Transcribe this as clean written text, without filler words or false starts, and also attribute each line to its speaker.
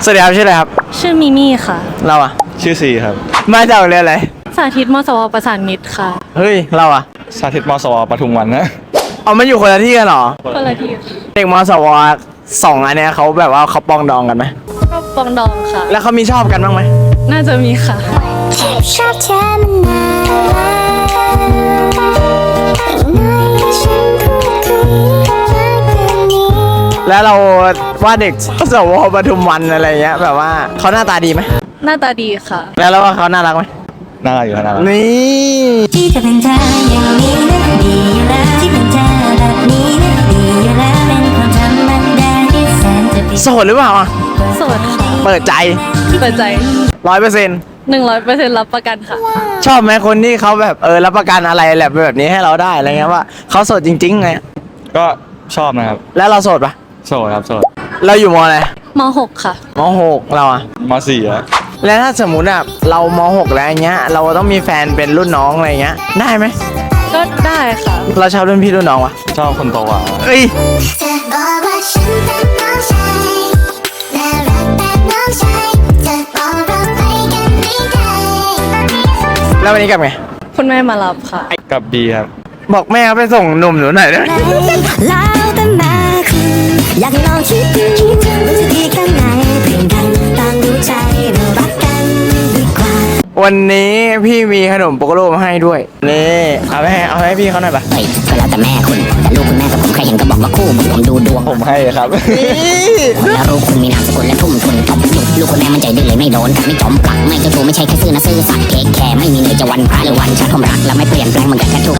Speaker 1: สวัสดีครับชื่ออะไรครับ
Speaker 2: ชื่อมิมี่ค่ะ
Speaker 1: เราอะ
Speaker 3: ชื่อซีครับ
Speaker 1: มาจากโรงเรียนอะไร
Speaker 2: สาธิตมสวประสานมิตรค่ะ
Speaker 1: เฮ้ยเราอะ
Speaker 3: สาธิตมสวปทุมวันนะ
Speaker 1: เอามันอยู่คนละที่กันเหรอ
Speaker 2: คนละที่
Speaker 1: เด็กมสวสองอันเนี้ยเขาแบบว่าเขาปองดองกันไหม
Speaker 2: ก็ปองดองค่ะ
Speaker 1: แล้วเขามีชอบกันบ้างไหม
Speaker 2: น่าจะมีค่ะ
Speaker 4: ชอบเธอมานานอย่างน้อยให้ฉันพูดคุยมากกว่านี้
Speaker 1: แล้วเราว่าเด็กสวปทุมวันอะไรเงี้ยแบบว่าเขาหน้าตาดีไหม
Speaker 2: หน้าตาดีค่ะ
Speaker 1: แล้วเราว่าเขาน่ารักไหม
Speaker 3: น่ารักอยู่ครับน่ารัก
Speaker 1: นี่
Speaker 4: ที่จะเป็นเธออย่างนี้นะดีอยู่แล้วที่เป็นเธอแบบนี้นะดีอยู่แล้วเป็นความธรรมดาที่แสนจะดี
Speaker 1: โสดหรือเปล่าอะ
Speaker 2: โสดค่ะ
Speaker 1: เปิดใจ
Speaker 2: เปิดใจ
Speaker 1: 100%
Speaker 2: 100%รับประกันค่ะ
Speaker 1: ชอบไหมคนที่เขาแบบรับประกันอะไรแบบนี้ให้เราได้อะไรเงี้ยว่าเขาโสดจริงๆไง
Speaker 3: ก็ชอบนะครับ
Speaker 1: แล้วเราโสดปะ
Speaker 3: โสดครับโสด
Speaker 1: เราอยู่มอะไร
Speaker 2: ม .6 ค่ะ
Speaker 1: ม6เราอะ
Speaker 3: มสี่อะ
Speaker 1: แล้วถ้าสมมุติอะเราม6แล้วอย่างเงี้ยเราต้องมีแฟนเป็นรุ่นน้องอะไรเงี้ยได้ไหม
Speaker 2: ก็ได้ค่ะ
Speaker 1: เราชอบรุ่นพี่รุ่นน้องวะ
Speaker 3: ชอบคนโตกว่า
Speaker 1: เอ้ย
Speaker 4: เธอบอกว่าฉันเป็นน้องชายน่ารักแบบน้องชายเธอบอกเราไปกันไม่ได้
Speaker 1: แล้ววันนี้กลับไง
Speaker 2: คุณแม่มารับค่ะ
Speaker 3: กับบีครับ
Speaker 1: บอกแม่เขาไปส่งหนุ่มหนูหน่อยได้ไหม
Speaker 4: แล้วแต่แม่คุณอยากให้ลองคิดดูมันจะดีแค่ไหนเพียงกันต่างดูใจเรารักกันดีกว่า
Speaker 1: วันนี้พี่มีขนมโปโกโลมาให้ด้วยนี่เอาให้พี่เขาหน่อยปะ
Speaker 5: เฮ้ยก็แล้วแต่แม่คุณ แต่ลูกคุณแม่กับผมใครเห็นก็บอกว่าคู่เหมือนผมดูดวง
Speaker 3: ผมให้ครับ
Speaker 1: นี่
Speaker 5: แล้วลูกคุณมีนามสกุลและทุ่มทุนจบจุดลูกคุณแม่มันใจดื้อเลยไม่โดนกับไม่จอมปลักไม่เจ้าชู้ไม่ใช่แค่ซื่อนะซื่อสัตย์เทคแคร์ไม่มีเลยจะวันพระหรือวันชาติผมรักและไม่เปลี่ยนแปลงเหมือนกันแค่ทุก